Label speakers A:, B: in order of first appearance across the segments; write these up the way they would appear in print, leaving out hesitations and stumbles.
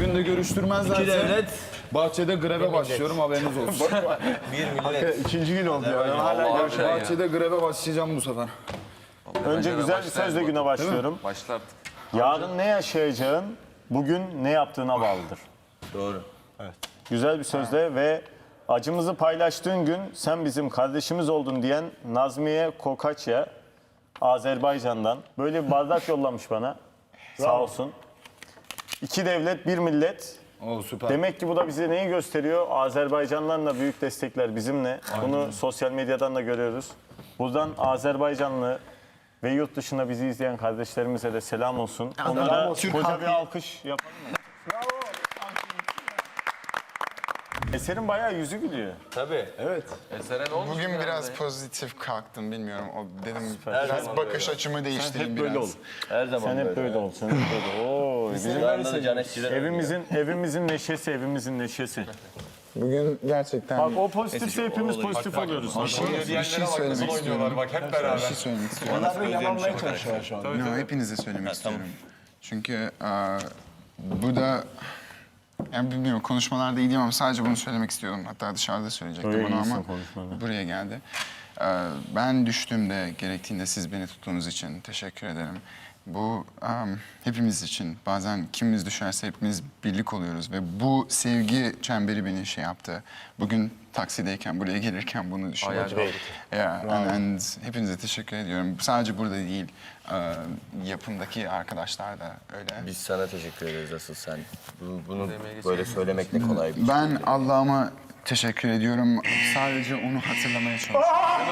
A: günde görüştürmezlerse
B: İki devlet,
A: bahçede greve başlıyorum, haberiniz olsun.
B: bir millet.
C: İkinci gün oldu ya. Hala görüşelim.
A: Bahçede greve başlayacağım bu sefer.
C: Önce güzel bir sözle güne başlıyorum.
D: Başla artık.
C: Yarın ne yaşayacağın, bugün ne yaptığına bağlıdır.
B: Doğru.
C: Güzel bir sözle ve acımızı paylaştığın gün sen bizim kardeşimiz oldun diyen Nazmiye Kokaçya, Azerbaycan'dan. Böyle bir bardak yollamış bana. Sağ olsun. İki devlet, bir millet.
A: O süper.
C: Demek ki bu da bize neyi gösteriyor? Azerbaycanlıların da büyük destekler bizimle. Bunu sosyal medyadan da görüyoruz. Buradan Azerbaycanlı ve yurt dışında bizi izleyen kardeşlerimize de selam olsun. Onlara koca bir alkış yapalım mı? Bravo. Eser'in bayağı yüzü gülüyor.
B: Tabii.
D: Eser'e ne olmuş?
E: Bugün biraz pozitif kalktım, bilmiyorum. O dedim biraz bakış açımı değiştireyim
C: Hep
E: biraz.
C: böyle ol.
B: Her zaman
C: Sen hep böyle ol. Sen hep böyle ol. Oo, bizim evimizin neşesi, evimizin neşesi.
E: Bugün gerçekten
C: Bak o pozitifse hepimiz pozitif oluyoruz.
E: bir şey söylemek istiyorum.
D: Bak hep beraber.
E: Bir şey söylemek istiyorum.
C: Yalanmaya çalışıyorlar şu an.
E: No, hepinize söylemek istiyorum. Çünkü bu da, yani bilmiyorum, konuşmalarda iyiydim ama sadece bunu söylemek istiyordum. Hatta dışarıda söyleyecektim
C: Öyle
E: bunu
C: iyisin
E: ama
C: konuşmada.
E: buraya geldi. Ben düştüğümde, gerektiğinde siz beni tuttuğunuz için teşekkür ederim. Bu hepimiz için. Bazen kimimiz düşerse hepimiz birlik oluyoruz ve bu sevgi çemberi beni şey yaptı. Bugün taksideyken, buraya gelirken bunu düşünüyorum. And hepinize teşekkür ediyorum. Sadece burada değil, yapımdaki arkadaşlar da öyle.
B: Biz sana teşekkür ederiz asıl sen. Bunu böyle söylemek ne kolay bir şey.
E: Ben Allah'ıma teşekkür ediyorum. Sadece onu hatırlamaya çalışıyorum.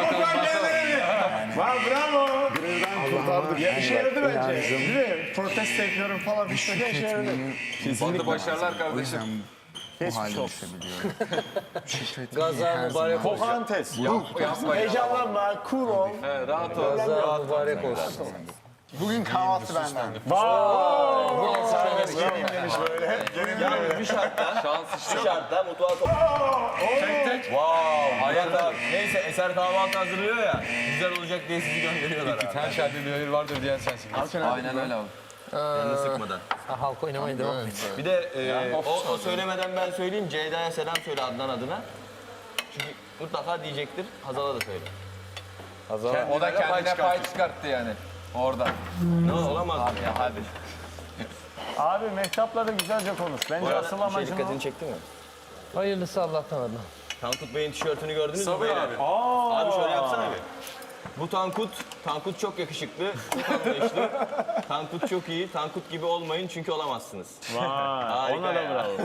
C: Bravo. Kurtardık. Ya işe yaradı bence. Değil mi? Protesto ediyorum falan. İşte işe yaradı.
D: Hadi başarılar kardeşim.
E: Bu halde düşebiliyorum.
B: Gaza mübarek olsun.
C: Kohantes.
D: Yapma ya.
C: Heyecanlanma, cool ol.
D: Rahat ol.
B: Gaza mübarek olsun.
E: Bugün kahvaltı benden.
B: Yani bir şartta,
D: Şans işte.
B: bir şartta mutfağa
D: Tek tek.
B: Wow, hayat abi. Neyse Eser kahvaltı hazırlıyor ya. Güzel olacak diye sizi gönderiyorlar abi.
D: Her şerde bir hayır vardır diyen sensin. Aynen öyle abi.
B: Yanını sıkmadan.
F: Halk oynamaya devam et.
B: Bir de o söylemeden ben söyleyeyim. Ceyda'ya selam söyle Adnan adına. Çünkü mutlaka diyecektir. Hazal'a da söyle.
D: O da kendine pay çıkarttı yani. Orada.
B: Ne olamaz mı ya abi?
C: Abi mehtapla da güzelce konuş. Bence asıl amacın o.
B: Dikkatini çekti mi?
F: Hayırlısı Allah'tan Adnan.
B: Tankut Bey'in tişörtünü gördünüz mü?
D: Sabır
B: beyler?
D: abi.
B: Abi şöyle yapsana bir. Bu Tankut çok yakışıklı, çok anlayışlı. Tankut çok iyi, Tankut gibi olmayın çünkü olamazsınız.
C: Vay,
B: Harika
C: ona da
B: ya.
C: bravo.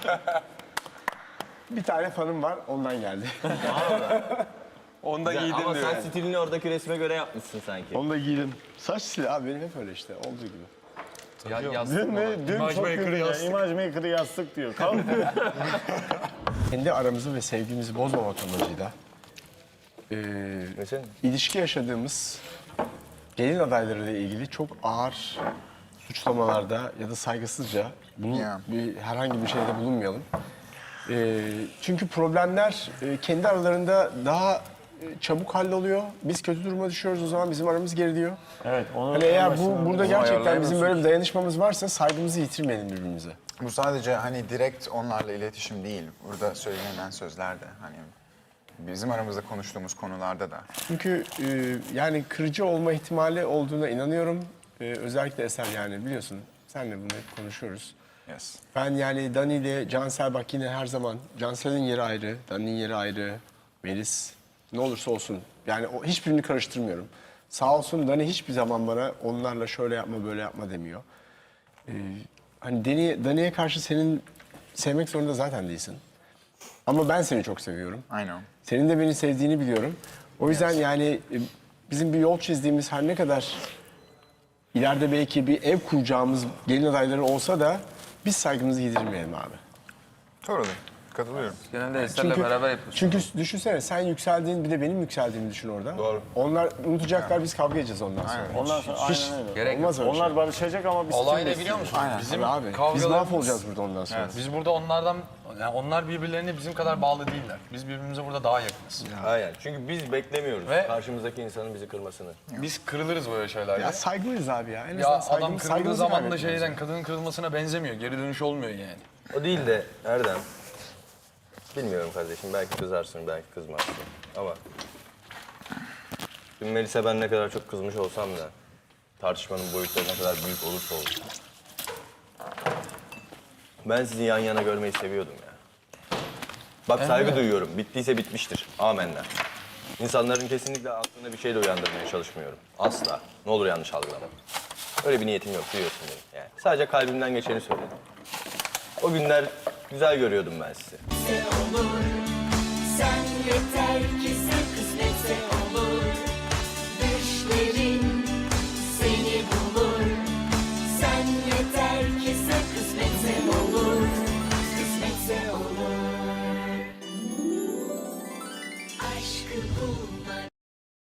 G: Bir tane fanım var, ondan geldi.
D: Onu da giydin
B: Ama
D: diyor.
B: sen stilini oradaki resme göre yapmışsın sanki.
G: Onu da giydim. Saç stili abi benim hep öyle işte, olduğu gibi.
D: Ya,
C: Dün
D: yazsın
C: mü? Dün
D: İmaj
C: çok
D: maker'ı
C: güldü ya.
D: yazsın.
C: İmaj maker'ı yastık diyor. Kalk.
G: Kendi aramızı ve sevgimizi bozmamak amacıyla
B: Mesela?
G: ilişki yaşadığımız gelin adaylarıyla ilgili çok ağır suçlamalarda ya da saygısızca
E: Ya.
G: herhangi bir şeyde bulunmayalım. Çünkü problemler kendi aralarında daha çabuk halloluyor. Biz kötü duruma düşüyoruz, o zaman bizim aramız geriliyor.
C: Evet. Onu
G: Hani eğer burada gerçekten bizim böyle bir dayanışmamız varsa saygımızı yitirmeyelim birbirimize.
E: Bu sadece hani direkt onlarla iletişim değil. Burada söylenen sözler de hani bizim aramızda konuştuğumuz konularda da.
G: Çünkü yani kırıcı olma ihtimali olduğuna inanıyorum. Özellikle Eser, yani biliyorsun senle bunu hep konuşuyoruz.
E: Yes.
G: Ben yani Dani ile Cansel, bak yine her zaman Cansel'in yeri ayrı, Dani'nin yeri ayrı, Melis ne olursa olsun. Yani hiçbirini karıştırmıyorum. Sağ olsun Dani hiçbir zaman bana onlarla şöyle yapma böyle yapma demiyor. Hani Dani'ye karşı senin sevmek zorunda zaten değilsin. Ama ben seni çok seviyorum.
E: I know.
G: Senin de beni sevdiğini biliyorum. O yüzden yani bizim bir yol çizdiğimiz, her ne kadar ileride belki bir ev kuracağımız gelin adayları olsa da biz saygımızı yitirmeyelim abi.
E: Totally. Katılıyorum.
D: Genelde Eser'le beraber yapıyoruz.
G: Çünkü düşünsene sen yükseldiğin bir de benim yükseldiğimi düşün orada. Doğru. Onlar unutacaklar biz kavga edeceğiz ondan sonra.
C: Ondan sonra aynen öyle.
D: Gerek yok.
G: Olmaz öyle
C: Onlar
G: şey.
C: barışacak ama biz
H: Olay
C: kim
H: ne biliyor musun?
G: Aynen.
H: Bizim
G: Abi, biz
H: kavgalarımız...
G: mahvolacağız burada ondan sonra.
H: Biz burada onlardan, yani onlar birbirlerine bizim kadar bağlı değiller. Biz birbirimize burada daha yakınız.
B: Aynen. Çünkü biz beklemiyoruz
H: Ve-
B: karşımızdaki insanın bizi kırmasını.
H: Biz kırılırız böyle şeylerde.
G: Ya saygılıyız abi ya. En
H: Ya
G: azından
H: adam kırıldığı
G: saygımızı
H: zaman da
G: kaybetmeyiz.
H: şeyden, kadının kırılmasına benzemiyor. Geri dönüş olmuyor yani.
B: O değil de Erdem. Bilmiyorum kardeşim. Belki kızarsın, belki kızmazsın. Ama dün Melis'e ben ne kadar çok kızmış olsam da tartışmanın boyutları ne kadar büyük olursa olsun. Ben sizi yan yana görmeyi seviyordum ya. Bak saygı duyuyorum. Bittiyse bitmiştir. Amenna. İnsanların kesinlikle aklına bir şey de uyandırmaya çalışmıyorum. Asla. Ne olur yanlış algılama. Öyle bir niyetim yok. Duyuyorsun beni. Yani sadece kalbimden geçeni söyledim. O günler güzel görüyordum ben sizi.
I: Sen yeter ki sen